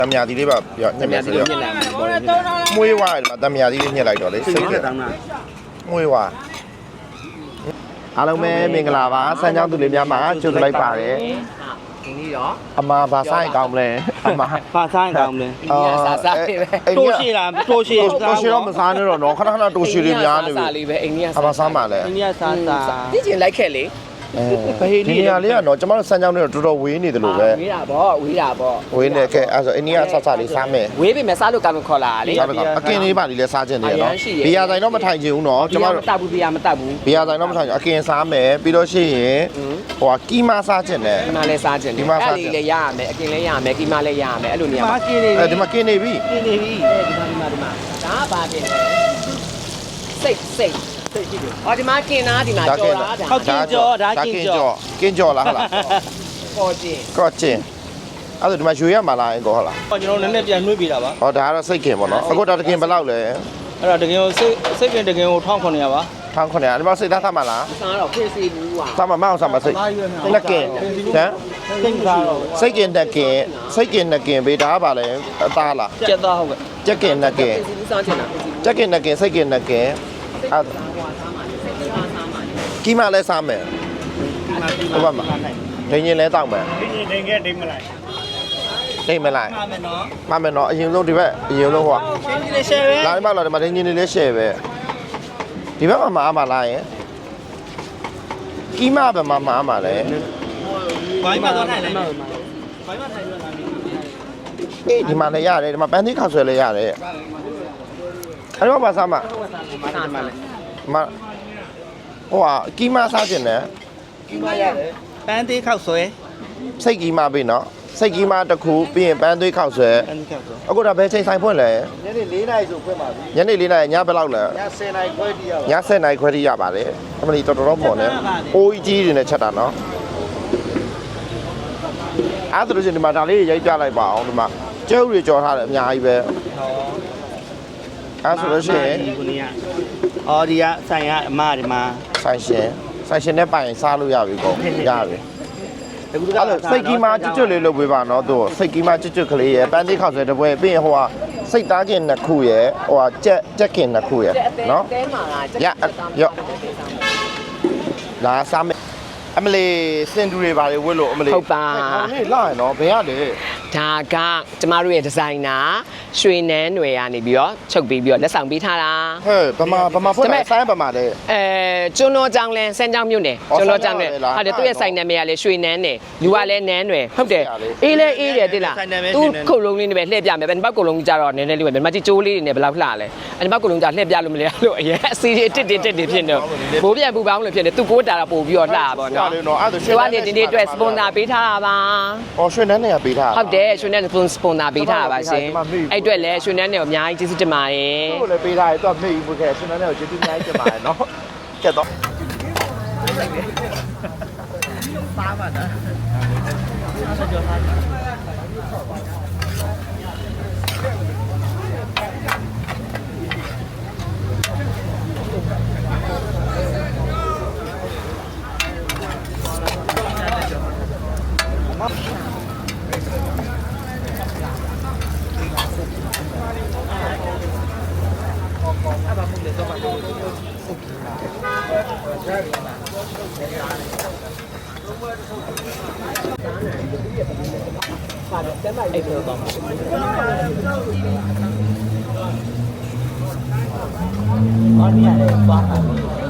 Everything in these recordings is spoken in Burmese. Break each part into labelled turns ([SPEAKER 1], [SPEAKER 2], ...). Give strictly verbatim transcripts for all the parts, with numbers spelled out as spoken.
[SPEAKER 1] တမယာဒီလေးပါပြညက်မယ်ဆိုတော့မွေးဝါတမယာဒီလေးညက်လိုက်တော့လေစိတ်ကမွေးဝါအားလုံးပဲမင်္ဂလာပါစမ်းချောင်းသူလေးများမှာကြိုဆိုလိုက်ပါတယ်
[SPEAKER 2] ဒီနေ့တော့
[SPEAKER 1] အမဘာဆိုင်ကောင်းမလဲအမ
[SPEAKER 3] ဘာဆိုင်ကောင်းမလဲ
[SPEAKER 2] အော်စားစားလေးပဲ
[SPEAKER 3] တိုးရှိလားတိုးရှိ
[SPEAKER 1] တိုးရှိတော့မစားနဲ့တော့နော်ခဏခဏတိုးရှိလေးများနေပြီ
[SPEAKER 2] စားလေးပဲအိန္ဒိယ
[SPEAKER 1] အမစားပါလေ
[SPEAKER 3] အိန္ဒိယစားစား
[SPEAKER 2] ဒီချင်းလိုက်ခဲ့လေ
[SPEAKER 1] ဒီနေရာလေးကတော့ကျွန်တော်တို့စမ်းချောင်းလေးတော့တော်တော်ဝေးနေတယ်လို့ပဲ
[SPEAKER 2] ဝေးတာပေါ့ဝေးတာပေါ့
[SPEAKER 1] ဝေးနေခဲ့အဲ့ဆိုအိန္ဒိယဆက်ဆက်လေးစားမယ်
[SPEAKER 2] ဝေးပြီမဲ့စားလို့ကမခေါ်လာလေ
[SPEAKER 1] အကင်းလေးပါလေးလဲစားခြင်းတယ်နော်ဘီယာဆိုင်တော့မထိုင်ချင်ဘူးနော်
[SPEAKER 2] ကျွန်တော်တို့မတက်ဘူးဘီယာမတက်ဘူး
[SPEAKER 1] ဘီယာဆိုင်တော့မထိုင်ချင်အကင်းစားမယ်ပြီးတော့ရှိရင်ဟိုကကီမာစားခြင်းတယ်
[SPEAKER 2] ကီမာလည်းစားခြင်းတယ်အဲ့လေးလည်းရရမယ်အကင်းလည်းရရမယ်ကီမာလည်းရရမယ်အဲ့လိုနေရာ
[SPEAKER 3] မှာကင်းနေ
[SPEAKER 1] အဲဒီမှာကင်းနေပြီ
[SPEAKER 3] ကင်းနေပြီ
[SPEAKER 2] ဒီမှာဒီမှာဒီမှာဒါပါပြင်စိတ်စိတ်စိတ်ရှိတယ်အော်ဒီမှာကင်းသားဒီမှာကြော်တာဒါ
[SPEAKER 3] ဟုတ်ကင်းကြော်ဒါကင်းကြော်
[SPEAKER 1] ကင်းကြော်လားဟုတ်လား
[SPEAKER 2] ကော်ကျင်
[SPEAKER 1] ကော်ကျင်အဲ့ဒါဒီမှာရွှေရမှာလားအင်ကောဟုတ်လား
[SPEAKER 3] ကျွန်တော်နည်းနည်းပြန်နှွေးပေးတာပါ
[SPEAKER 1] ဟောဒါကတော့စိတ်ခင်ပေါ့နော်အခုတော့တကင်ဘယ်လောက်လဲ
[SPEAKER 3] အဲ့တော့တကင်ကိုစိတ်စိတ်ပြင်တကင်ကို၁၉၀၀ပါ
[SPEAKER 1] ၁၉၀၀ဒီမှာစိတ်သားသတ်မှာလား
[SPEAKER 2] စားတော့ဖြစ်စီဘူးကွာ
[SPEAKER 1] သတ်မှာမအောင်သတ်မှာစိတ်တကင်ဟမ်
[SPEAKER 3] စိတ်သားတော့
[SPEAKER 1] စိတ်ကင်တကင်စိတ်ကင်တကင်ဘေးဒါကပါလဲအသားလား
[SPEAKER 3] ကြက်သားဟုတ်ကဲ့
[SPEAKER 1] ကြက်ကင်တကင်
[SPEAKER 2] စားချင်တာ
[SPEAKER 1] ကြက်ကင်တကင်စိတ်ကင်တကင်အဲ့ကီမာလဲစားမယ်ဟုတ်ပါမဒင်းရင်လဲတောက်မယ်
[SPEAKER 3] ဒင်းရင်ဒင်းကဲဒင်းမလိုက်
[SPEAKER 1] ဒင်းမလိုက်
[SPEAKER 3] မှမယ်နော်
[SPEAKER 1] မှမယ်နော်အရင်ဆုံးဒီဘက်အရင်ဆုံးဟို
[SPEAKER 3] ဒင်းကြီးလေးရှယ်ပဲ
[SPEAKER 1] လာဒီမှာလာဒီမှာဒင်းရင်လေးရှယ်ပဲဒီဘက်မှာမအားမလားယင်ကီမာဘယ်မှာမအားမလဲ
[SPEAKER 3] ဘိုင်းမှာတော့ထိုင်လိုက်ဘိုင်းမှာထိုင်လို့လာပြီ
[SPEAKER 1] အေးဒီမှာလည်းရတယ်ဒီမှာပန်းသီးခောက်ဆွဲလည်းရတယ်အဲ့တော့ဘာစားမှာ
[SPEAKER 3] မှလဲ
[SPEAKER 1] မဟိုဟာကီမာစားခြင်းနဲ့
[SPEAKER 3] ကီမာရတယ်ပန်းသေးခောက်ဆွဲ
[SPEAKER 1] စိတ်ကီမာပြီနော်စိတ်ကီမာတစ်ခုပြီးရင်ပန်းသွေးခောက်ဆွဲ
[SPEAKER 3] ပန်းခောက်ဆွဲ
[SPEAKER 1] အခုဒါဘယ်ချိန်ဆိုင်ဖွင့်လဲ
[SPEAKER 3] ညနေ၄နာရီဆိုဖွင့်ပါပြီ
[SPEAKER 1] ညနေ၄နာရီညဘယ်လောက်လဲ
[SPEAKER 3] ည၁၀နာရီခွဲတိရပါ
[SPEAKER 1] ည၁၀နာရီခွဲတိရပါတယ်အမလီတော်တော်မော်နေအိုးကြီးတွေနဲ့ချက်တာနော်အဲ့ဒါလို့ရှင်ဒီမှာဒါလေးရိုက်ပြလိုက်ပါအောင်ဒီမှာကျဲဥတွေကြော်ထားတယ်အများကြီးပဲဟောအဲ့ဆိုလို့ရှိရင်
[SPEAKER 3] ဒီကအော်ဒီကဆိုင်ကအမဒီမှာ
[SPEAKER 1] ဆိုင်ရှင်ဆိုင်ရှင်နဲ့ပိုင်စားလို့ရပြီကောရပြီအခုကစိတ်ကီမာကျွတ်ကျွတ်လေးလုပ်ပေးပါနော်သူစိတ်ကီမာကျွတ်ကျွတ်ကလေးရယ်ပန်းသေးခောက်ဆွဲတစ်ပွဲပြီးရင်ဟိုကစိတ်သားကင်နှစ်ခုရယ်ဟိုကကြက်ကြက်ကင်နှစ်ခုရယ်နော်ရရော့လာစားမယ်အမလီစင်တူတွေပါလေဝတ်လို့အမလီ
[SPEAKER 2] ဟုတ်ပါ
[SPEAKER 1] ဟေးလာရနော်ဘယ်ရလဲ
[SPEAKER 2] ဒါကကျမတို့ရဲ့ဒီဇိုင်နာရွှေနန်းຫນွယ်ကနေပြီးတော့ချုပ်ပြီးပြီးတော့လက်ဆောင်ပေးထားတာ
[SPEAKER 1] ဟဲ့ဗမာဗမာဖွင့်တာဆိုင်းဗမာလေ
[SPEAKER 2] အဲကျွန်းတော်ကြောင်လန်စမ်းကြောင်မြို့နယ်ကျွန်းတော်ကြောင်နယ်ဟာတယ်သူ့ရဲ့ဆိုင်နာမည်ကလည်းရွှေနန်းနယ်လူကလည်းနန်းຫນွယ်ဟုတ်တယ်အေးလဲအေးတယ်တိလားသူခုတ်လုံးလေးနဲ့ပဲလှည့်ပြမယ်ဘယ်နှပတ်ခုတ်လုံးကြီးကြတော့နည်းနည်းလေးပဲဘယ်နှပတ်ကြီးကျိုးလေးတွေနဲ့ဘယ်လောက်လှလဲအဲ့နှပတ်ခုတ်လုံးကြလှည့်ပြလို့မလဲလို့အရင်အစီအတစ်တစ်တစ်တစ်ဖြစ်နေဘိုးပြန်ပူပေါင်းလို့ဖြစ်နေသူကိုတာတာပို့ပြီးတော့လှပါတော့
[SPEAKER 1] နော်အဲ့ဒါရွှေ
[SPEAKER 2] နန်းနယ်ဒီနေ့အတွက်စပွန်ဆာပေးထားတာပါ
[SPEAKER 1] အော်ရွှေနန်းနယ်ကပေးထား
[SPEAKER 2] ဟုတ်တယ်ရွှေနန်းနယ်စပွန်ဆာပေးထားတာပါရှင်အဲ့အတွက်လည်းရွှေနန်းနယ်ကိုအများကြီးကျေးဇူးတင်ပါတယ်
[SPEAKER 1] သူ့ကိုလည်းပေးထားတယ်သူကမေ့ဘူးခဲ့ရွှေနန်းနယ်ကိုကျေးဇူးအများကြီးတင်ပါတယ်နော်ကျက်တော့
[SPEAKER 3] ပါပါနော်ဆက်ကြောထား
[SPEAKER 2] အဲ့လိုတော့
[SPEAKER 3] အော်ဒီရတယ်သွားတာ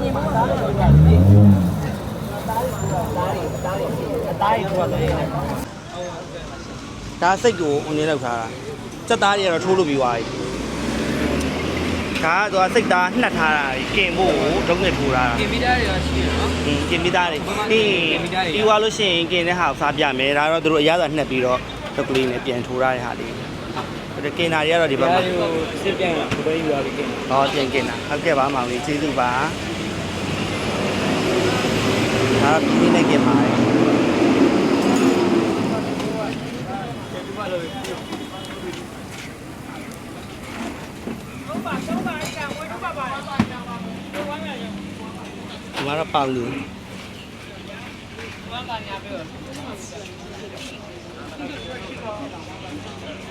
[SPEAKER 3] ဒါစိတ်ကိုအုံနေလောက်ထားတာစက်သားတွေကတော့ထိုးလို့ပြီးသွားပြီဒါကတော့စိတ်သားနှက်ထားတာကင်ဖို့ဒုံးနဲ့ထိုးတာ
[SPEAKER 2] ကင်မီတာတွေရောရှိရနော်
[SPEAKER 3] ဟင်းကင်မီတာတွေပြီးပြီးသွားလို့ရှိရင်ကင်တဲ့ဟာကိုစားပြမယ်ဒါတော့သူတို့အရသာနှက်ပြီးတော့ဒုတ်ကလေးနဲ့ပြန်ထိုးရတဲ့ဟာလေးဒါကင်နာတွေကတော့ဒီဘက်မှာစစ်ပြန်တာဘယ်လိုယူရလဲကင်ဟောပြန်ကင်တာဟုတ်ကဲ့ပါမောင်လေးကျေးဇူးပါဒါပြီးနေကင်ပါတယ်ဒီမှာတော့ပေါင်လူ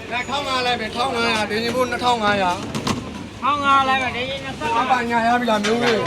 [SPEAKER 4] လက်ထောင်းငါလိုက်မယ်ထောင်းငါရဒင်းချင်းဖို့နှစ်ထောင်ငါရထောင်းငါလိုက်မယ်ဒင်းချင်းနှစ်ထောင်ငါညာရပြီလားမျိုးလေး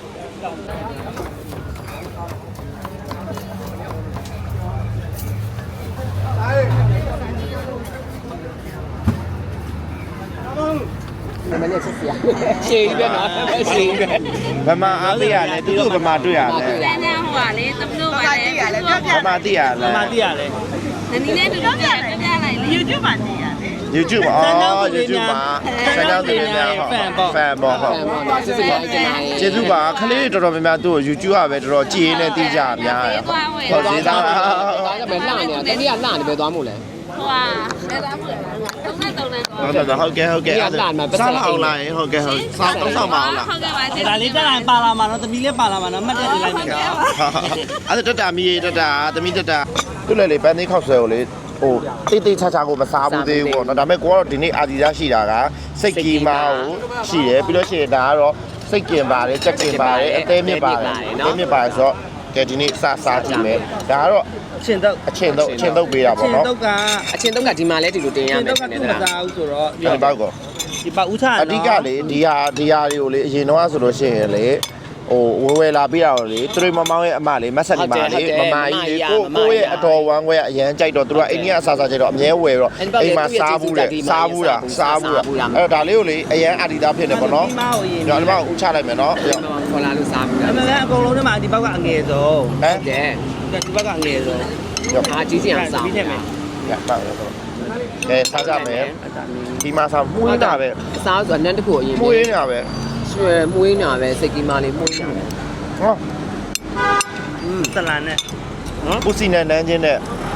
[SPEAKER 2] မနေ့ဆက်စရာရှေးပဲနော်ရှေးပဲ
[SPEAKER 1] ဗမာအားသိရလဲသူတို့ဗမာတွေ့ရလဲ
[SPEAKER 5] တန်းတန်းဟိုပါလေသမလို့ပါလေပြပြ
[SPEAKER 1] ဗမာသိရလဲ
[SPEAKER 3] မသိရလဲ
[SPEAKER 5] နနီလေးတူတူပြပြပြလိုက်လေ YouTube ပါနေရတယ်
[SPEAKER 1] YouTube အော် YouTube မှာဆန်းကြောင်းသူတွေများဟော fan ပေါ့ဟုတ်
[SPEAKER 2] ဆက်စရာကျင်လာရင်
[SPEAKER 1] ကျေးဇူးပါခလေးတော်တော်များများသူ့ကို YouTube ကပဲတော်တော်ကြည်ရင်းနဲ့တီးကြများတယ်ဟုတ်သေးသား
[SPEAKER 2] ဒါကပဲလှနေတာတတိယလှနေပဲသွားမို့လဲ
[SPEAKER 5] ဟိုဟာလက်သားမှုသုံးနဲ့သုံးနဲ့
[SPEAKER 1] ဟုတ်တယ်ဟုတ်ကဲ့ဟုတ်ကဲ့စားအောင်လာရင်ဟုတ်ကဲ့ဟုတ်စားတော့ဆောင်ပါအောင်လား
[SPEAKER 5] ဟုတ်ကဲ့ပါ
[SPEAKER 3] ဒါလေးတက်လာပါလာမှာနော်သမီးလေးပါလာမှာနော်မှတ်တဲ့လိုက်မယ်
[SPEAKER 1] အဲ့ဒါတတမီးတတသမီးတတသူ့လေလေပန်းသေးခောက်ဆွဲကိုလေဟိုတိတ်တိတ်ချာချာကိုမစားဘူးသေးဘူးပေါ့နော်ဒါပေမဲ့ကိုကတော့ဒီနေ့အာဒီသားရှိတာကစိတ်ကီမာကိုရှိတယ်ပြီးလို့ရှိရင်ဒါကတော့စိတ်ကင်ပါတယ်ချက်ကင်ပါတယ်အသေးမြစ်ပါတယ်အသေးမြစ်ပါတယ်ဆိုတော့ကဲဒီနေ့စစားကြည့်မယ်ဒါကတော့
[SPEAKER 3] အချင်းတော့
[SPEAKER 1] အချင်းတော့အချင်းတော့ပေးတာ
[SPEAKER 3] အ
[SPEAKER 1] ပေါ့
[SPEAKER 3] ချင်း
[SPEAKER 1] နော်
[SPEAKER 3] တော့ကအ
[SPEAKER 2] ချင်းတုံးကဒီမှာလဲဒီလိုတင်ရ
[SPEAKER 3] ချင်း
[SPEAKER 2] မယ်
[SPEAKER 3] တော့က
[SPEAKER 2] နဲ့
[SPEAKER 3] သူ့မ
[SPEAKER 2] တလား
[SPEAKER 3] သားဘူးဆိုတော့
[SPEAKER 1] ဒီဘောက်ကော
[SPEAKER 3] ဒီပါဦးချာ
[SPEAKER 1] အဓိကလေဒီဟာဒီဟာတွေကိုလေအရင်တော့ဆိုလို့ရှိရင်လေဟိုဝဲဝဲလာပြီးတော့လေသူတို့မမောင်းရဲ့အမလေးမဆက်နေပါလေမမကြီးလေကိုကိုရဲ့အတော်ဝမ်းခွဲအရန်ကြိုက်တော့သူတို့အိန္ဒိယအစားစားကြိုက်တော့အမြဲဝဲတော့အိမ်မှာစားဘူးတဲ့စားဘူးတာစားဘူးတာအဲ့တော့ဒါလေးကိုလေအရန်အာဒီသားဖြစ်နေပေါ့နော်
[SPEAKER 3] ဒီမောအရင်
[SPEAKER 1] ညောင်ဒီမှာဥချလိုက်မယ်နော်
[SPEAKER 2] ခေါ်လာလို့စားပြီ
[SPEAKER 3] အမှန်လည်းအကုန်လုံးထဲမှာဒီဘောက်ကအငယ်ဆုံး
[SPEAKER 1] ဟမ်
[SPEAKER 2] တဲ့
[SPEAKER 3] ဒီဘောက်ကအငယ်ဆုံး
[SPEAKER 2] အားကြီးစီအောင်စား
[SPEAKER 3] ပြီးနေမယ်
[SPEAKER 1] ရပါမယ်တော့ကဲစားကြမယ်ဒီမှာစားမှုတာပဲ
[SPEAKER 2] အစားဆိုအနန်းတစ်ခုအရင်
[SPEAKER 1] မှုရင်းတာပဲ
[SPEAKER 2] ရွှဲမွေးနာပဲစိတ်ကြီးမလေးမွေးနာပဲ
[SPEAKER 1] ဟော
[SPEAKER 3] อืมတလန်နဲ့နော်
[SPEAKER 1] ပူစီနဲ့နန်းချင်းနဲ့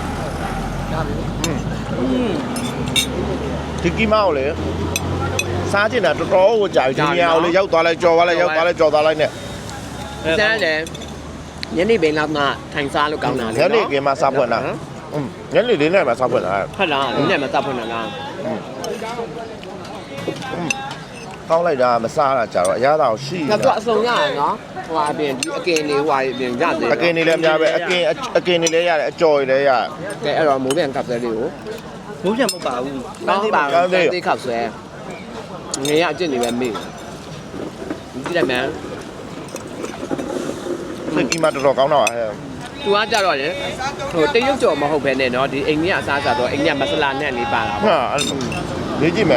[SPEAKER 3] อืม
[SPEAKER 1] ဒီကီမောက်လေစားကျင်တာတော်တော်ကိုကြာပြီဒီနေရာကိုလေရောက်သွားလိုက်ကြော်သွားလိုက်ရောက်သွားလိုက်ကြော်သွားလိုက်နဲ့
[SPEAKER 2] စမ်းတယ်ညနေပိုင်းလောက်မှထိုင်စားလို့ကောင်းတာလေ
[SPEAKER 1] ညနေခင်းမှာစားဖွင့်တာอืมညနေလေးနဲ့မှာစားဖွင့်တာ
[SPEAKER 2] ဟုတ်လားညနေမှစားဖွင့်တာလား
[SPEAKER 1] ကောင်းလိုက်တာမစားတာကြာတော့အရသာကိုရှိ
[SPEAKER 2] ငါတို့အစုံရရနော်ဟိုအပြင်ဒီအကင်လေးဟိုအပြင်ရသေး
[SPEAKER 1] အကင်နေလည်းအများပဲအကင်အကင်နေလည်းရတယ်အကြော်တွေလည်းရတယ်
[SPEAKER 2] ကဲအဲ့တော့မိုးပြန်ကပ်စဲလေးကို
[SPEAKER 3] ဘိုးပြန်မဟုတ်ပါဘူး
[SPEAKER 2] ကောင်းပါဘူးတေးခောက်ဆွဲငရေအကျင့်နေပဲမေ့ကြည့်လိုက်မယ်
[SPEAKER 1] စိတ်ကြီးမှတော်တော်ကောင်းတော့ဟဲ့
[SPEAKER 2] သူကကြတော့လေဟိုတရုတ်ကြော်မဟုတ်ပဲနဲ့နော်ဒီအိန္ဒိယအစားအစာတော့အိန္ဒိယမဆလာနဲ့လေးပါတာပေါ့
[SPEAKER 1] ဟာလေးကြည့်မယ်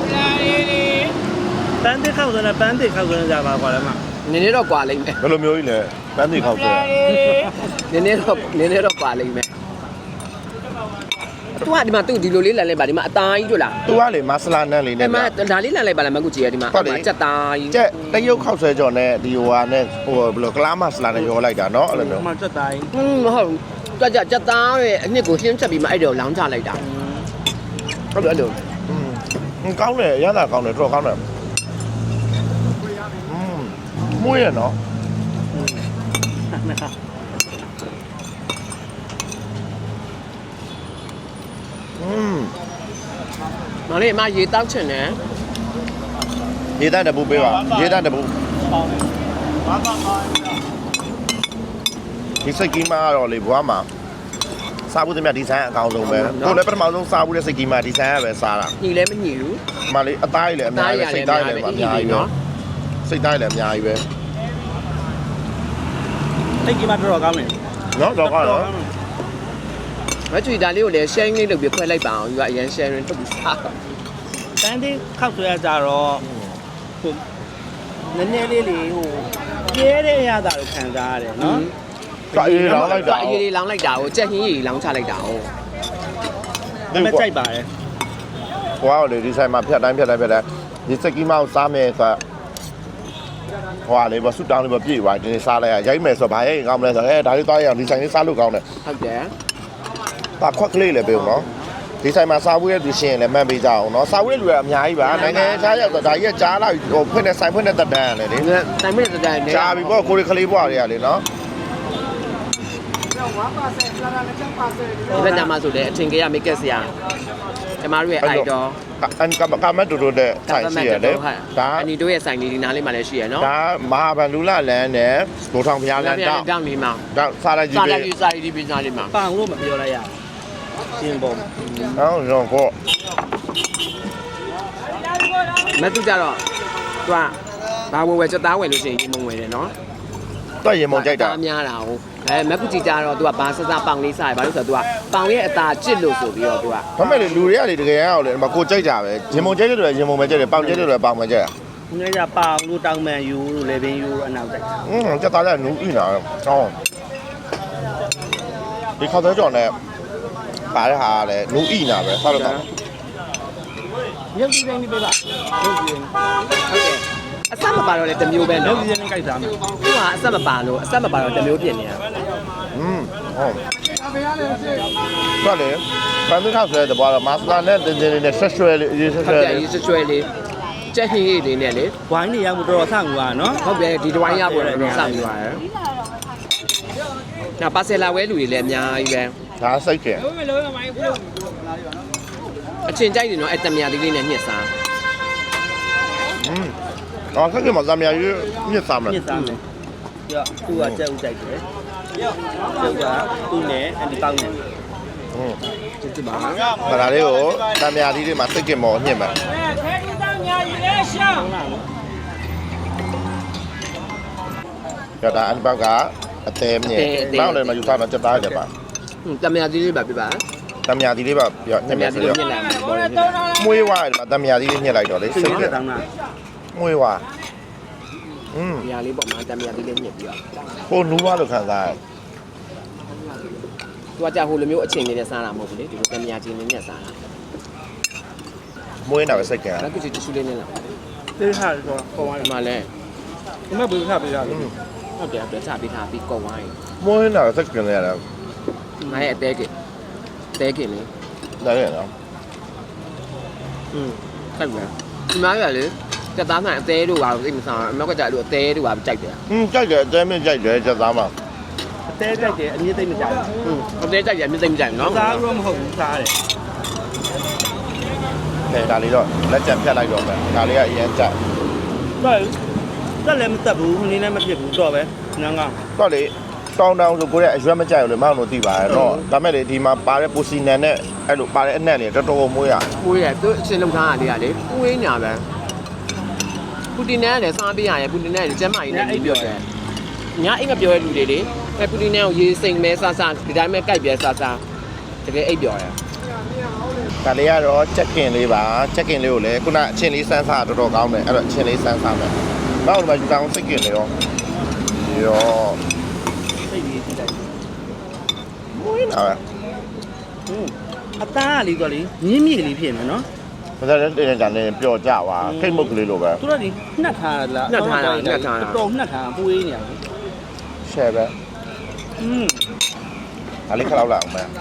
[SPEAKER 3] ပန်းတစ်ခောက်ဆိုတော့ပန်းတစ်ခောက်ဆိုကြပါကွာလည်းမ
[SPEAKER 2] နည်းနည်းတော့ကွာလိမ့်မယ်
[SPEAKER 1] ဘယ်လိုမျိုးကြီးလဲပန်းသီခောက်ဆွဲ
[SPEAKER 2] နည်းနည်းတော့နည်းနည်းတော့ကွာလိမ့်မယ်သူကဒီမှာသူဒီလိုလေးလန်လိုက်ပါဒီမှာအသားကြီးတို့လား
[SPEAKER 1] သူကလေမဆလာနန်းလေး
[SPEAKER 2] ဒီ
[SPEAKER 1] နဲ့
[SPEAKER 2] မှာဒါလေးလန်လိုက်ပါလားမကူကြီးရဒီမှာကြက်သားကြီး
[SPEAKER 1] ကျက်တရုတ်ခောက်ဆွဲကြော်နဲ့ဒီဟိုဟာနဲ့ဟိုဘယ်လိုကလားမဆလာနဲ့ရောလိုက်တာเนาะအဲ့လိုမျိုး
[SPEAKER 3] မှစက်တိုင်း
[SPEAKER 2] ဟင်းမဟုတ်ကြက်ကြက်ကြက်သားရဲ့အနှစ်ကိုရှင်းချက်ပြီးမှအဲ့တော့လောင်းချလိုက်တာဟုတ်တယ်အဲ့လို
[SPEAKER 1] อืมကောင်းတယ်ရတာကောင်းတယ်တော်ကောင်းတယ်อืมမွေးရနော် อืม
[SPEAKER 2] မလေးအမရေတောက်ချင်တယ်
[SPEAKER 1] ရေတန်းတပူပေးပါရေတန်းတပူဒီစိတ်ကြီးမကတော့လေဘွားမှာစားဖို့တည်းမြဒီဇိုင်းအကောင်းဆုံးပဲကိုလည်းပထမဆုံးစားဖို့တဲ့စိတ်ကြီးမဒီဇိုင်းကပဲစားတာ
[SPEAKER 2] ညီလည်းမညီဘူး
[SPEAKER 1] မလေးအသားကြီးလည်းအများကြီးပဲစိတ်သားကြီးလည်းအများကြီးပဲစိတ်သားကြီးလည်းအများကြီးပဲ
[SPEAKER 3] အဲ့ဒီမှာတော်တော်ကောင်းတယ်
[SPEAKER 1] နော်တော့ကောင်းတော့
[SPEAKER 2] မချွေဒါလေးကိုလည်း sharing လေးလုပ်ပြီးခွဲလိုက်ပါအောင်ယူကအရင် sharing ထုတ်ပြီးစား
[SPEAKER 3] ပန်းတစ်ခောက်ဆိုရကြတော့ဟိုနည်းနည်းလေးလေးဟိုပြဲတဲ့အရာသာကိုခံစားရတယ်နော်
[SPEAKER 1] တာအေးလောင်းလိုက်တာ
[SPEAKER 2] အရေးလေးလောင်းလိုက်တာကိုကြက်ဟင်းကြီးလောင်းချလိုက်တာကို
[SPEAKER 3] မမကြိုက်ပါတယ်
[SPEAKER 1] ဘွားကလေဒီဆိုင်မှာဖြတ်တိုင်းဖြတ်တိုင်းဖြတ်တိုင်းဒီစိတ်ကြီးမကိုစားမယ်ဆိုဟွာလေဘဆူတောင်းလေးပဲပြေးသွားဒီနေ့စားလိုက်ရရိုက်မယ်ဆိုဘာရဲ့ကောင်းမလဲဆိုအဲဒါလေးသွားရအောင်ဒီဆိုင်လေးစားလို့ကောင်းတယ်
[SPEAKER 2] ဟုတ်တယ်
[SPEAKER 1] တာခွက်ကလေးလည်းပေးဦးနော်ဒီဆိုင်မှာစားဖို့ရသူရှင်လည်းမှတ်ပေးကြအောင်နော်စားဖို့ရလူကအများကြီးပါနိုင်ငံခြားရောက်တော့ဒါကြီးကကြားလာဟိုဖွင့်တဲ့ဆိုင်ဖွင့်တဲ့တက်တန်းလေလေ
[SPEAKER 2] တိုင်မင်းတဲ့တိုင်နဲ့
[SPEAKER 1] ကြားပြီပေါ့ကိုရီခလေးဘွားတွေကလေနော်
[SPEAKER 2] ဒီဘက်မှာဆိုလေအထင်ကြီးရမိတ်ကက်ဆရာကျမတို့ရဲ့ idol
[SPEAKER 1] အန်ကမကမတူတူတဲ့ဆိုင်ရှိရတယ်ဒါ
[SPEAKER 2] အနီတို့ရဲ့ဆိုင်လေးဒီနားလေးမှာလည်းရှိရနော်
[SPEAKER 1] ဒါမဟာဗန္ဓုလလန်းနဲ့ဒိုထောင်ဖျားလန်းတောက်
[SPEAKER 2] တောင်းလေးမှာ
[SPEAKER 1] ဒါစားလိုက်ကြည့်
[SPEAKER 2] စား
[SPEAKER 1] ပြီ
[SPEAKER 2] လိုက်ယူစားရည်ဒီပညာလေးမှာ
[SPEAKER 3] ပန်လို့မပြောလိုက်ရရှင်းပုံ
[SPEAKER 1] အောင်ရောကို
[SPEAKER 2] မတူကြတော့သူကဘာဝယ်ဝယ်ချက်သားဝယ်လို့ရှိရင်ရေမုံဝယ်တယ်နော်
[SPEAKER 1] တော့ရေမုံကြိုက်တာ
[SPEAKER 2] အများတာဟုတ်အဲမက်ကူကြီးကြတော့သူကဘာစစပေါင်လေးစားရဘာလို့ဆိုတော့သူကပေါင်ရဲ့အသာကျစ်လို့ဆိုပြီးတော့သူက
[SPEAKER 1] ဒါမဲ့လေလူတွေကလေတကယ်ရောက်လေဒီမှာကိုကြိုက်ကြပဲရေမုံကြိုက်တယ်လို့ရေမုံပဲကြိုက်တယ်ပေါင်ကြိုက်တယ်လို့ပေါင်ပဲကြိုက်တာ
[SPEAKER 3] ။ငါကပေါင်လို့တောင်းမှန်ယူလို့လေပင်ယူလို့အနောက်တိုက်
[SPEAKER 1] อืมကြက်သားလည်းနူးဥနာကောင်းဒီခေါက်သေးကြော်နဲ့ပါတဲ့ဟာကလည်းနူးဥနာပဲဆောက်လို့ကောင်း
[SPEAKER 3] ရုပ်ကြီးတိုင်းပြပါရုပ်ကြီး
[SPEAKER 2] ဟုတ်တယ်အဆက်မပါတော့လေတစ်မျိုးပဲ
[SPEAKER 3] ရုပ်
[SPEAKER 2] နော်
[SPEAKER 3] ကြီးတိုင်းကြိုက်စားမယ်
[SPEAKER 2] သူကအဆက်မပါလို့အဆက်မပါတော့တစ်မျိုးပြင်နေတာ
[SPEAKER 1] อืมဟုတ်တော့လေပန်းသစ်ခောက်ဆွဲတဲ့ဘောတော့မာစလာနဲ့တင်းတင်းလေးနဲ့ဆက်ရွှဲလေးအရေးဆက်
[SPEAKER 2] ဟု
[SPEAKER 1] ရွှဲ
[SPEAKER 2] တ်တယ်
[SPEAKER 1] လေး
[SPEAKER 2] ရေးဆွဆွဲလေးကြက်ဟင်းလေးနဲ့လေ
[SPEAKER 3] ဝိုင်းနေရမှုတော်တော်ဆန့်ကွာနော်
[SPEAKER 2] ဟုတ်တယ်ဒီတဝိုင်းရပေါ်တော့စောင့်နေပါတယ်နောက်ပါဆယ်လာဝဲလူတွေလည်းအများကြီးပဲ
[SPEAKER 1] ဒါစိတ်ကျင်
[SPEAKER 2] အချင်းကြိုက်တယ်နော်အဲ့တမယာသေးလေးနဲ့ညှစ်စား
[SPEAKER 1] อืมအော်ခက်ကမှသမ ्या ရွညစ်စားမလား
[SPEAKER 3] ညစ်စားမယ်ပြသူကကြက်ဥတိုက်တယ်ကျုပ်ကသူ့နဲ့အန်ဒီပေါင်းနဲ့
[SPEAKER 1] อืม
[SPEAKER 2] ကျေးဇူးပါ
[SPEAKER 1] မလာလေးကိုသမ ्या လေးတွေမှာစိတ်ကျင်မော်ညစ်မှာကြတာအန်ပေါက်ကအသေးမြင်ပေါက်လည်းမယူစားတော့ကြက်သားကြက်ပါ
[SPEAKER 2] တမယာသေးလေးပါပြပါ
[SPEAKER 1] သမ ्या လေးပါပြည
[SPEAKER 2] တ
[SPEAKER 1] စ်
[SPEAKER 2] မ
[SPEAKER 1] မယ်
[SPEAKER 2] ယာ
[SPEAKER 1] ဆို
[SPEAKER 2] သေးလေး
[SPEAKER 1] တော့
[SPEAKER 2] ညှစ်လိုက်မှာပေါ်တယ်ညှစ်လိုက်
[SPEAKER 1] မွေးဝါးတယ်မှာသမ ्या လေးညှစ်လိုက်တော့လေ
[SPEAKER 3] စိ
[SPEAKER 1] စိ
[SPEAKER 3] တ်
[SPEAKER 1] တ်
[SPEAKER 3] က
[SPEAKER 1] ကျင်
[SPEAKER 3] တောင်းတာ
[SPEAKER 1] မွေးဝါးอืม
[SPEAKER 2] ။ညာလေးပေါ့မှာတမယာသေးလေးညှစ်ပြီးတော့
[SPEAKER 1] ဟိုနူးဝါးလို့ခံစားရတယ်
[SPEAKER 2] သူကကြာဟိုလိုမျိုးအချင်းလေးနဲ့စားတာမဟုတ်ဘူးလေဒီလိုတမယာချင်းလေးနဲ့စားတာ
[SPEAKER 1] မွေးနေတာပဲစိတ်ကျင်
[SPEAKER 2] ။နောက်ခုချီတ िश ူးလေးနဲ့လား
[SPEAKER 3] တေးထားဆိုတော့ပေါ်သွား
[SPEAKER 2] ။ဒီမှာလဲ
[SPEAKER 3] ဒီမဲ့ဘယ်လိုထားပေးရလဲ
[SPEAKER 2] ဟုတ်တယ်ပြချပေးထားပြီးကောက်ဝိုင်း
[SPEAKER 1] မွေးနေတာပဲစိတ်ကျင်နေရတယ်
[SPEAKER 2] ။ငါရဲ့အသေးက။တဲကလေ
[SPEAKER 1] ဒါရနော်
[SPEAKER 2] ။อืมခိုက်မယ်။ဒီမှာရလေစက်သားမှန်အသေးတို့ပါသိမစားအမောက်ကကြာလို့အသေးတို့ပါကြိုက်တယ်
[SPEAKER 1] อืมကြိုက်တယ်အသေးမကြိုက်တယ်ကြက်သားမှာ
[SPEAKER 3] အသေးကြိုက်တယ်အမြင့်သိမ့်မကြိုက်
[SPEAKER 2] ။อืมအသေးကြိုက်တယ်မြင်သိမကြိုက်နော်
[SPEAKER 3] စားလို့မဟုတ်ဘူးစားတယ်
[SPEAKER 1] ခဲဒါလေးတော့လက်ချက်ဖြတ်လိုက်တော့မယ်ဒါလေးကအရင်ကြိုက်
[SPEAKER 3] ဟုတ်တက်လည်းမတက်ဘူးနင်းလည်းမဖြစ်ဘူးတော့ပဲငန်းကောင်း
[SPEAKER 1] တော့လေတောင်းတောင်းဆိုကိုရဲ့အရွက်မကြိုက်ဘူးလေမောင်တို့သိပါတယ်နော်ဒါမဲ့လေဒီမှာပါတဲ့ပူစီနန်နဲ့အဲ့လိုပါတဲ့အနက်တွေတော်တော်မွေးရ
[SPEAKER 2] ။ကိုရဲ့သူအချင်းလုံးထားတာလေးကလေကိုင်းညာပဲပူတင်နဲ့လည်းစားပေးရတယ်ပူတင်နဲ့ကျမ်းမာရေးနဲ့ပြီးပြောတယ်။ညာအိမ်ကပြောတဲ့လူတွေလေအဲပူတင်နဲ့ကိုရေးစိမ်မဲဆဆဒီတိုင်းပဲကြိုက်ပြဲဆဆတကယ်အိပ်ပြောတယ်
[SPEAKER 1] ဒါလေးကတော့ချက်ကင်လေးပါချက်ကင်လေးကိုလည်းခုနအချင်းလေးစမ်းစားတော်တော်ကောင်းတယ်အဲ့တော့အချင်းလေးစမ်းစားမယ်မောင်တို့မှာယူတောင်းစိတ်ကင်နေရောရော
[SPEAKER 3] စိတ်ကြီးကြည့်လိုက်
[SPEAKER 1] မွေးနေတာပဲ
[SPEAKER 3] ဟုတ်အသားကလေးတော့လေမြင်းမြင့်ကလေးဖြစ်နေနော်
[SPEAKER 1] ဘာသာလဲတင်းတင်းကြမ်းနေပျော်ကြပါခိတ်မုတ်ကလေးလိုပဲ
[SPEAKER 3] သူတို့ဒီနှက်ထားလားတော်နှက်ထားပွေးနေရတယ်
[SPEAKER 1] ရှယ်ပဲ
[SPEAKER 3] อืม
[SPEAKER 1] ဒါလေးခလောက်လာအောင်မယ်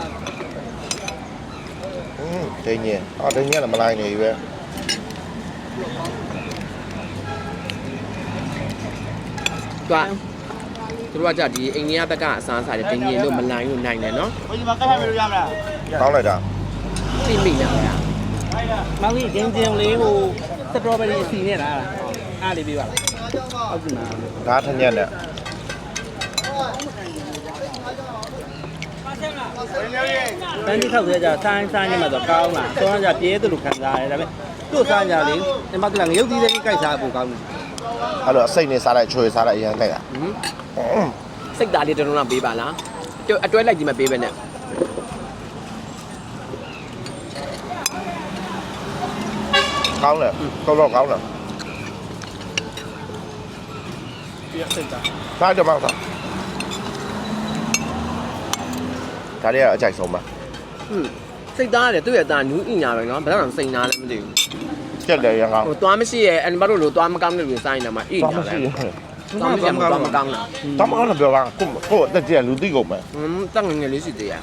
[SPEAKER 1] อืมဒင်းကြီးအော်ဒင်းကြီးလည်းမလိုက်နေပြီပဲ
[SPEAKER 2] သူကသူတို့ကကြဒီအိန္ဒိယဘက်ကအစားအစာတွေတင်းကြီးလို့မလိုင်းလို့နိုင်တယ်နော်
[SPEAKER 3] ဘယ်ဒီမှာကတ်ထားမလို့ရမလား
[SPEAKER 1] ကောင်းလိုက်တာ
[SPEAKER 2] သိမိလားဗျာ
[SPEAKER 3] မောင်ကြီးကျင်းကျင်းလေးဟိုစတော်ဘယ်ရီအစီနဲ့လားအားလေးပေးပါလားဟုတ်ပြီမှာ
[SPEAKER 1] ဒါထညက်နဲ့
[SPEAKER 3] တန်းကြီးထောက်သေးကြဆိုင်းဆိုင်းနေမှာတော့ကောင်းလားစောင်းကြပြဲသလိုခံစားရတယ်ဒါပေမဲ့သူ့စားကြလေဒီမှာကလည်းငရုတ်သီးလေးကြိုက်စားဖို့ကောင်းတယ်
[SPEAKER 1] အဲ့လိုအစိတ်နဲ့စားလိုက်ချွေစားလိုက်အရင်ကြိုက်တာ
[SPEAKER 2] ဟင်စိတ်သားလေးတော်တော်ပေးပါလားအတွဲလိုက်ကြီးမပေးပဲနဲ့
[SPEAKER 1] ကောင်းတယ်တော်တော်ကောင်းတယ်
[SPEAKER 3] ပြည့်စိတ်သား
[SPEAKER 1] စားကြပါစားဒါလေးကအကြိုက်ဆုံးပါ
[SPEAKER 2] ဟင်စိတ်သားရတယ်သူ့ရဲ့သားနူးအင်ညာပဲနော်ဘယ်တော့စိန်သားလဲမသိဘူး
[SPEAKER 1] ကြက်တယ်ရန်ကောင်း
[SPEAKER 2] ဟိုသွားမရှိရဲ့အန်ဘတ်တို့လိုသွားမကောင်းတဲ့လူစိုင်းနေမှာအင်ညာလဲသွားမရှိမှာသွားမကောင်းလား
[SPEAKER 1] တမကောင်းတော့ပြောပါကိုကိုအသက်ကြီးလူသိကုန်မယ်
[SPEAKER 2] ဟွန်းတက်ငငယ်လေးရှိသေးရ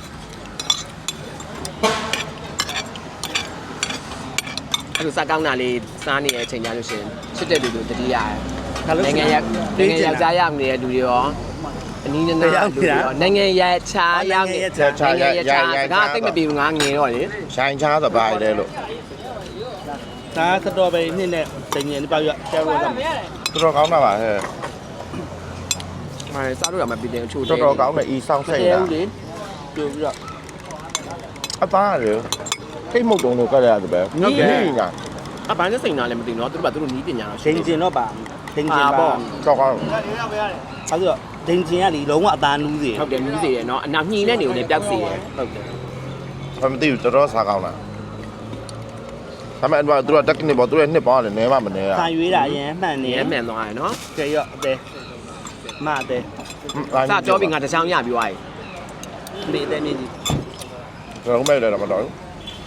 [SPEAKER 2] အဲ့လိုစားကောင်းတာလေးစားနေတဲ့အချိန်ကြလို့ရှင်ချစ်တဲ့လူတို့တတိယနိုင်ငံရနိုင်ငံယောက်ျားရောက်နေတဲ့လူတွေရောအနည်းနဲ့လူတွေရောနိုင်ငံရချာရောက်နေနိုင်ငံရချာစကားသိမပြေဘူးငါငယ်တော့လေ
[SPEAKER 1] ရှိုင်းချားသဘားလေလို့
[SPEAKER 3] ဒါစတော်ဘယ်ရီနှစ်နဲ့တင်ရင်ပေါက်ရကျဲလို့တော့
[SPEAKER 1] တော်တော်ကောင်းတာပါဟဲ့
[SPEAKER 2] အဲစားလို့ရမှာပြည်တယ်အချို့
[SPEAKER 1] တော်တော်ကောင်းတယ်ဤဆောင်စိတ်တာ
[SPEAKER 3] လေပြိုပြီးတော့
[SPEAKER 1] အသားရယ်ခိတ်မုတ်တုံးလို့ကရတယ်ပဲ
[SPEAKER 2] ဟုတ်တယ်
[SPEAKER 1] ညာ
[SPEAKER 2] အဘိုင်းနဲ့စိန်နာလည်းမသိနော်သူတို့ကသူတို့နီးပညာတော့
[SPEAKER 3] ဒိန်ကျင်တော့ပါဒိန်ကျင်ပါ
[SPEAKER 1] ကြောက်ကောင်း
[SPEAKER 3] အဲဆိုတော့ဒိန်ကျင်ကလေလုံးဝအသားနူးစေ
[SPEAKER 2] ဟုတ်တယ်နီးစေတယ်နော်အနောက်ညှိတဲ့နေကိုလည်းပျောက်စေတယ်
[SPEAKER 3] ဟုတ်တယ်
[SPEAKER 1] ဘာမသိဘူးတော်တော်စားကောင်းလားဒါပေမဲ့သူတို့တက်ကနေပေါ့သူတို့နှစ်ပေါင်းတယ်နဲမှမနဲတာ
[SPEAKER 3] ဆန်ရွေးတာအရင်မှန်နေ
[SPEAKER 2] ရဲမှန်သွားရနော်
[SPEAKER 3] ကဲရော့အသေးမအသေး
[SPEAKER 2] စကြောပြီးငါတစ်ချောင်းရပြီးသွားပြီ
[SPEAKER 3] ဒီအသေးမြင့်ကြီး
[SPEAKER 1] ကျွန်တော်မဲ့လည်းတော့မတော်ဘူး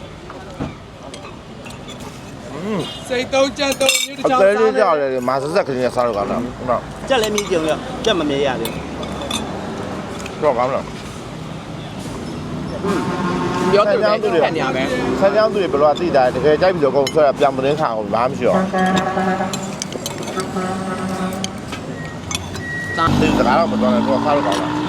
[SPEAKER 4] စိတ်သုံးချက်သုံးမြို့တစ်
[SPEAKER 1] အ
[SPEAKER 4] ချောင်း
[SPEAKER 1] သေး
[SPEAKER 4] စား
[SPEAKER 1] လေးကြောက်တယ်မာဆက်ဆက်ကလေးနဲ့စားလို့ကောင်းတာဟုတ်တော့
[SPEAKER 3] ကြက်လည်းမြည်ကြုံရောကြက်မမြဲရသေး
[SPEAKER 1] တော့ကောင်းလား
[SPEAKER 2] ပြောသူလည်းဖက်နေရပဲ
[SPEAKER 1] ဆန်းချောင်းသူတွေဘယ်လိုအသိတာတကယ်ကြိုက်ပြီးတော့ကုန်ဆွဲတာပြန်မတင်းခါအောင်ဘာမှမရှိတော့ဒီစကားတော့မတော်နဲ့တော့စားလို့ကောင်းလား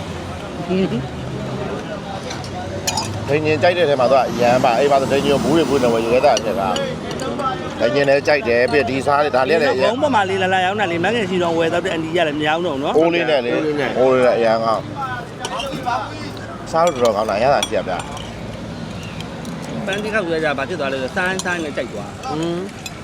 [SPEAKER 1] ဒိန်ရင်ကြိုက်တဲ့ထဲမှာတော့ရမ်းပါအေးပါဒိန်ရင်ဘူးတွေဘူးနေဝယ်ရခဲ့တာဖြစ်တာဒိန်ရင်လည်းကြိုက်တယ်ပြီးဒီစားလေးဒါလေးလည်း
[SPEAKER 3] ဘုံပေါ်မှာလေးလာလာရောက်နေလေမငယ်ရှိတော့ဝယ်တော့တဲ့အန်ဒီရတယ်မရအောင်တော့နော်
[SPEAKER 1] အိုးလေးနဲ့လေအိုးလေးနဲ့အရန်ကောင်းစားလို့တော့ကောင်းတာရတာကြည့်ရဗျာ
[SPEAKER 3] ပန်းတိခောက်ရကြဘာဖြစ်သွားလဲဆိုဆိုင်းဆိုင်းနဲ့ကြိုက်သွား
[SPEAKER 2] อืม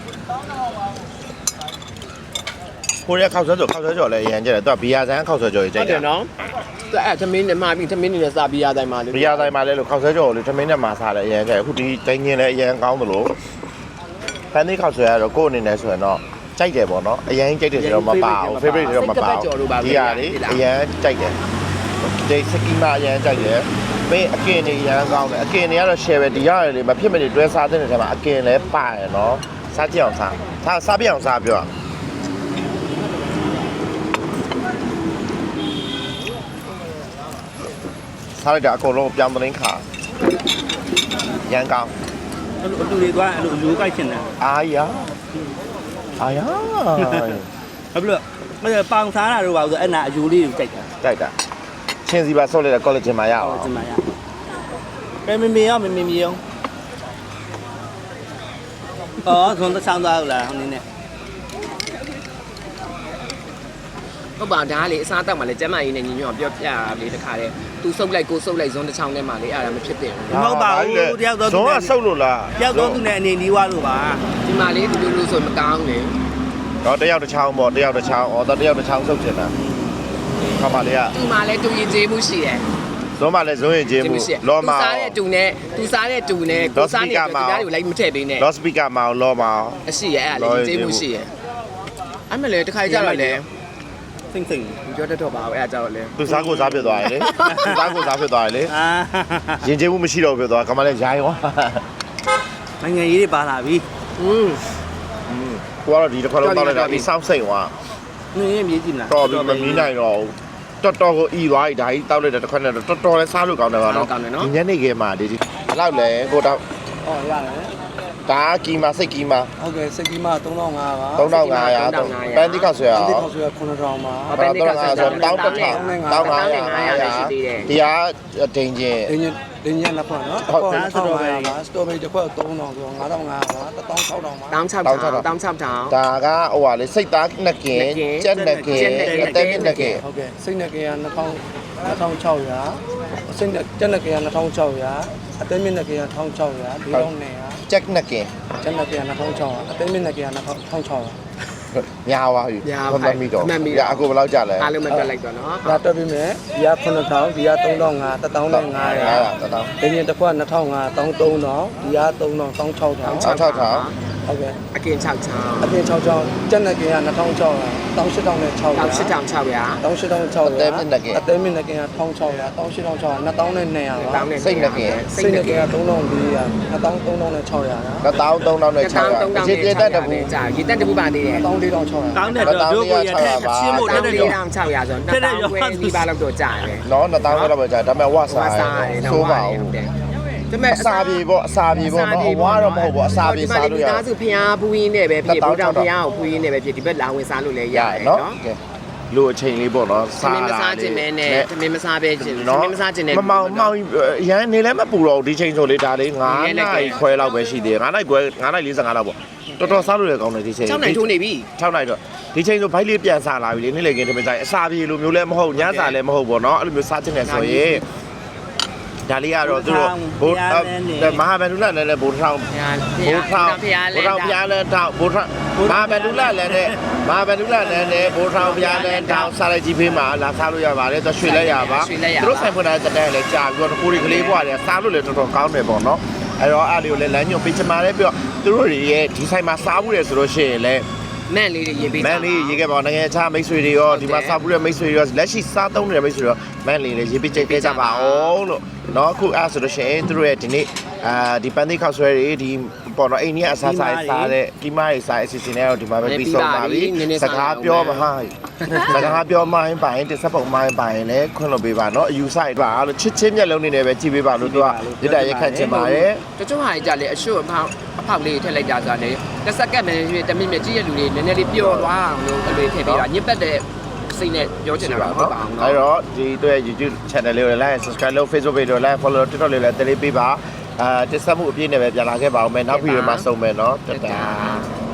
[SPEAKER 1] ကိုရီးယားခောက်ဆွဲကြော်ခောက်ဆွဲကြော်လည်းအရန်ကြတယ်သူကဘီယာဆန်ခောက်ဆွဲကြော်ကြီးကြို
[SPEAKER 2] ဟုတ်
[SPEAKER 1] က်
[SPEAKER 2] တ
[SPEAKER 1] တယ်
[SPEAKER 2] ယ်နော်သူအဲ့သမင်းနဲ့မှာပြီးသမင်းနဲ့စာပြီးရတိုင်းမှာလေ
[SPEAKER 1] ဘီယာဆိုင်မှာလည်းလို့ခောက်ဆွဲကြော်လေးထမင်းနဲ့မှာစားတယ်အရန်ကြတယ်အခုဒီတိုင်းရင်လည်းအရန်ကောင်းသလိုဖန်သေးခောက်ဆွဲကတော့ကိုယ့်အနေနဲ့ဆိုရင်တော့ကြိုက်တယ်ပေါ့နော်အရန်ကြိုက်တယ်ဆိုတော့မပါဘူး favorite ဆိုတော့မပါဘူးဒီဟာလေးအရန်ကြိုက်တယ်ဒီစကီမာအရန်ကြိုက်တယ်မင်းအကင်တွေအရန်ကောင်းတယ်အကင်တွေကတော့ share ပဲဒီရတယ်လေမဖြစ်မနေတွဲစားတဲ့နေရာမှာအကင်လည်းပါရနော်စားကြည့်အောင်စားစားစားပြအောင်စားပြောစားလိုက်တာအကုန်လုံးပြောင်းသတင်းခါရန်ကောင်း
[SPEAKER 3] အဲ့လိုအတူတွေသွားအဲ့လိုရိုးကြိုက်ချင်တယ်
[SPEAKER 1] အာယာအာယာ
[SPEAKER 3] ဟုတ်ပြီလို့မင်းပေါင်စားတာတော့ပါဆိုအဲ့နာအယူလေးကိုကြိုက်တာ
[SPEAKER 1] တိုက်တာချင်းစီပါဆော့လိုက်တဲ့ college မှာရအောင်
[SPEAKER 3] ဒီမှာရကဲမမေရောမမေမီရောအော်ဇွန်တဆောင်သွားလားဟိုနည်းနဲ့
[SPEAKER 2] ဟုတ်ပါဒါကလေအစားတောက်မှလည်းကျမကြီးနဲ့ညီညွတ်ပြောပြလေတခါလေသူစုပ်လိုက်ကိုစုပ်လိုက်ဇွန်တစ်ချောင်းထဲမှာလေအဲ့ဒါမဖြစ်တဲ့ဘူး
[SPEAKER 3] မဟုတ်ပါဘူးတယောက်တော့
[SPEAKER 1] ဇွန်ကဆုပ်လို့လား
[SPEAKER 3] တယောက်တော့သူနဲ့အနေလေးွားလို့ပါ
[SPEAKER 2] ဒီမှာလေဒီလိုလိုဆိုမကောင်းလေ
[SPEAKER 1] တော့တယောက်တစ်ချောင်းပေါ့တယောက်တစ်ချောင်းအော်တော့တယောက်တစ်ချောင်းဆုပ်ချင်တာခါမလေးက
[SPEAKER 2] သူမှလည်းတူရင်ကျေးမှုရှိတယ်
[SPEAKER 1] ဇွန်မှလည်းဇွန်ရင်ကျေးမှုလောမာ
[SPEAKER 2] သူစားတဲ့တူနဲ့သူစားတဲ့တူနဲ့ကိုစားနေတဲ့တူသားတွေကိုလိုက်မထည့်ပေးနဲ့
[SPEAKER 1] လော့စပီကာမှာလောမာ
[SPEAKER 2] အရှိရဲ့အဲ့ဒါလေကျေးမှုရှိရဲ့အဲ့မလေတခါကြတော့လေ
[SPEAKER 3] စိမ့်စိမ့်
[SPEAKER 2] ပြောတတ်တော့ပါဘူးအဲ့ဒါကြတော့လေ
[SPEAKER 1] သူစားကိုစားဖြစ်သွားတယ်လေသူစားကိုစားဖြစ်သွားတယ်လေ
[SPEAKER 3] အာ
[SPEAKER 1] ရင်ကျေးမှုမရှိတော့ဖြစ်သွားခါမလေးရိုင်းရော
[SPEAKER 3] နိုင်ငံရေးတွေပါလာပြီ
[SPEAKER 2] อืม
[SPEAKER 1] ကိုကတော့ဒီတစ်ခါလုံးတောက်လိုက်တာဒီစောင်းစိတ်သွား
[SPEAKER 3] နင်းရင်မြေးကြည့်မလား
[SPEAKER 1] တော်ပြီမမီးနိုင်တော့တော်တော်ကိုဤသွားပြီဒါကြီးတောက်လိုက်တဲ့တစ်ခါနဲ့တော်တော်လဲစားလို့ကောင်းတယ်ပါနော်ဒီညနေခင်းမှာဒီဒီဘယ်လောက်လဲကိုတော့
[SPEAKER 4] အော်ရတယ်
[SPEAKER 1] ဒါကီမာစိတ်ကီမာ
[SPEAKER 4] ဟုတ်ကဲ့စက်ကီမ3500ပါ
[SPEAKER 1] သုံးထောင်ငါးရာပန်းတိခောက်ဆွဲအောင်
[SPEAKER 4] ဒီခေါက်ဆွဲ9000ပါ
[SPEAKER 2] ဟောပဲနေကဆက်ကြ
[SPEAKER 1] တောင်းတစ်ထောင်တောင်းငါးရာဒီဟာဒိန်ချင်း
[SPEAKER 4] ဒင်းညဒင်းညနှစ်ခွက်နော်တစ်ခွက်3500ပါစတိုဘယ်တစ်ခွက်3000ဆို9500ပါ16000ပါ
[SPEAKER 2] တောင်း6ထောင်တောင်း6ထောင်
[SPEAKER 1] ဒါကဟိုဟာလေစိတ်သားနှစ်ကင်ကြက်နှစ်ကင်အသက်နှစ်ကင်
[SPEAKER 4] ဟုတ်ကဲ့စိတ်နဲ့ကင်က2000 2600စိတ်နဲ့ကြက်နဲ့ကင်က2600အသက်မြင့်နဲ့ကင်က1600ဒီတော့နေရ
[SPEAKER 1] ကြက်နှစ်ကင်
[SPEAKER 4] ကျန်တဲ့က2600အသိမင်းနဲ့က2600
[SPEAKER 1] ညာပါပြီမမီတော့ရအခုဘယ်လောက်ကြလဲ
[SPEAKER 2] အားလုံးမပြတ်လိုက်တော့နော်
[SPEAKER 4] ဒါတက်ပြီးမယ်ဒီက9000ဒီက3500 1500
[SPEAKER 1] တထောင်
[SPEAKER 4] ဒင်းညတစ်ခွက်2500 3000ဒီက3000 16000
[SPEAKER 1] 6 6ထောင်
[SPEAKER 4] ဟုတ်ကဲ့
[SPEAKER 2] အကင်6ချောင်း
[SPEAKER 4] အပြင်6ချောင်းကျန်တဲ့ကင်က2600 18000နဲ့600
[SPEAKER 2] တောင်း8ထောင်600
[SPEAKER 4] 18600အသိမင်းနဲ့ကင်က1600 18600 2200နဲ့200ပါ
[SPEAKER 2] တောင်းနဲ့
[SPEAKER 1] စိတ်နှစ်ကင်
[SPEAKER 4] စိတ်နဲ့ကင်က3400 2300နဲ့600လား
[SPEAKER 1] တထောင်သုံးထောင်နဲ့6ရာရေပြတက်တပူ
[SPEAKER 2] ကြာရေတက်တပူပါသေးတယ်
[SPEAKER 4] 14600
[SPEAKER 3] တောင်းတဲ့တော့တို့ကိုရတဲ့ချင်းမို့တဲ့တဲ့တော့
[SPEAKER 2] တောင်း600ဆိုတော့တောင်းခွဲဒီပါလောက်တော့ကြာတယ်
[SPEAKER 1] နော်နှစ်ထောင်လောက်ပဲကြာဒါပေမဲ့ဝဆာဆိုးပါဦး
[SPEAKER 2] ဒါပေမဲ့
[SPEAKER 1] အစာပြေပေါ့အစာပြေပေါ့နော်အဝါတော့မဟုတ်ဘူးအစာပြေစားလို့ရ
[SPEAKER 2] ဒီသားစုဖျားပူးရင်းနဲ့ပဲဖြစ်ဘူတောင်ဖျားကိုပူးရင်းနဲ့ပဲဖြစ်ဒီဘက်လာဝင်စားလို့လည်းရတယ်နော်
[SPEAKER 1] လူအချိန်လေးပေါ့နော်
[SPEAKER 2] သမင်းမစားခြင်းပဲနဲ့သမင်းမစားပဲခြင်းသမင်းမစားခြင်းနဲ့
[SPEAKER 1] မမောင်မောင်ရန်နေလည်းမပူတော့ဒီချိန်ဆိုလေဒါလေး9နိုင်ခွဲလောက်ပဲရှိသေးတယ်9နိုင်ခွဲ9နိုင်45လောက်ပေါ့တော်တော်စားလို့ရကောင်းတယ်ဒီချိန်
[SPEAKER 2] 6နိုင်ထိုးနေပြီ
[SPEAKER 1] 6နိုင်တော့ဒီချိန်ဆိုဘိုက်လေးပြန်စားလာပြီလေနေ့လေကင်းတမင်ဆိုင်အစာပြေလိုမျိုးလည်းမဟုတ်ညစာလည်းမဟုတ်ပေါ့နော်အဲ့လိုမျိုးစားခြင်းနဲ့ဆိုရင်ဒဒါလေးကတော့သူတို့ဘိုးမဟာဗန္ဓုလလည်းလည်းဘိုးထောင်
[SPEAKER 2] ဘုရား
[SPEAKER 1] ဘိုးထောင်
[SPEAKER 2] ဘုရား
[SPEAKER 1] ဘိုးထောင်ဘုရားလည်းထောင်ဘိုးထောင်မဟာဗန္ဓုလလည်းနဲ့မဟာဗန္ဓုလလည်းနဲ့ဘိုးထောင်ဘုရားလည်းထောင်စားလိုက်ကြီးဖေးမှာလာစားလို့ရပါတယ်သူရွှေလဲရပါသူတို့ဆိုင်ဖွင့်တဲ့တဲ့လည်းကြာပြီးတော့ကိုရီကလေးဘွားလည်းစားလို့လည်းတော်တော်ကောင်းတယ်ပေါ့နော်အဲ့တော့အားလေးကိုလည်းလမ်းညွှန်ပေးချင်ပါတယ်ပြီးတော့သူတို့တွေရဲ့ဒီဆိုင်မှာစားဘူးလေဆိုလို့ရှိရင်လည်း
[SPEAKER 2] မန့်လေးတွေရေးပေး
[SPEAKER 1] မန်လေးရေးခဲ့ပါနိုင်ငံခြားမိတ်ဆွေတွေရောဒီမှာစားဘူးတဲ့မိတ်ဆွေတွေရောလက်ရှိစားသုံးနေတဲ့မိတ်ဆွေတွေရောမန်လေးလည်းရေးပေးကြခဲ့ကြပါအောင်လို့เนาะအခုအဲ့ဆိုလို့ရှိရင်သူတို့ရဲ့ဒီနေ့အာဒီပန်းသေးခောက်ဆွဲတွေဒီပေါ်တော့အိန္ဒိယအစားစားစားတဲ့ဒီမရဲ့စားအစီအစဉ်တွေတော့ဒီမှာပဲပြီးဆုံးပါပြီစကားပြောမဟာစကားပြောမှရင်ပိုင်တစ်ဆက်ပုံမှရင်ပိုင်လည်းခွင့်လွှတ်ပေးပါเนาะအယူဆိုင်ပါလို့ချစ်ချင်းမျက်လုံးနေနဲ့ပဲကြည့်ပေးပါလို့သူကရတဲ့ရက်ခန့်ချင်ပါတယ်
[SPEAKER 2] တချို့ဟာကြလေအရှုပ်အဖောက်အဖောက်လေးထည့်လိုက်ကြဆိုလေတစ်စက္ကန့်ပဲတမိနစ်ကြည့်ရလူတွေနည်းနည်းလေးပျော်သွားအောင်လို့အဲ့လိုထည့်ပေးတာညစ်ပတ်တဲ့စိတ်နဲ့ပြောချင်တာပါဟုတ်ပါအောင်
[SPEAKER 1] အဲ့
[SPEAKER 2] နော်
[SPEAKER 1] တော့ဒီတို့ရဲ့ YouTube channel လေးကိုလည်း like subscribe လုပ် Facebook page ကိုလည်း follow TikTok လေးလည်းတလေးပေးပါအာတက်ဆက်မှုအပြည့်နဲ့ပဲပြန်လာခဲ့ပါအောင်မယ်နောက်ဗီဒီယိုမှာဆုံမယ်เนาะတတာ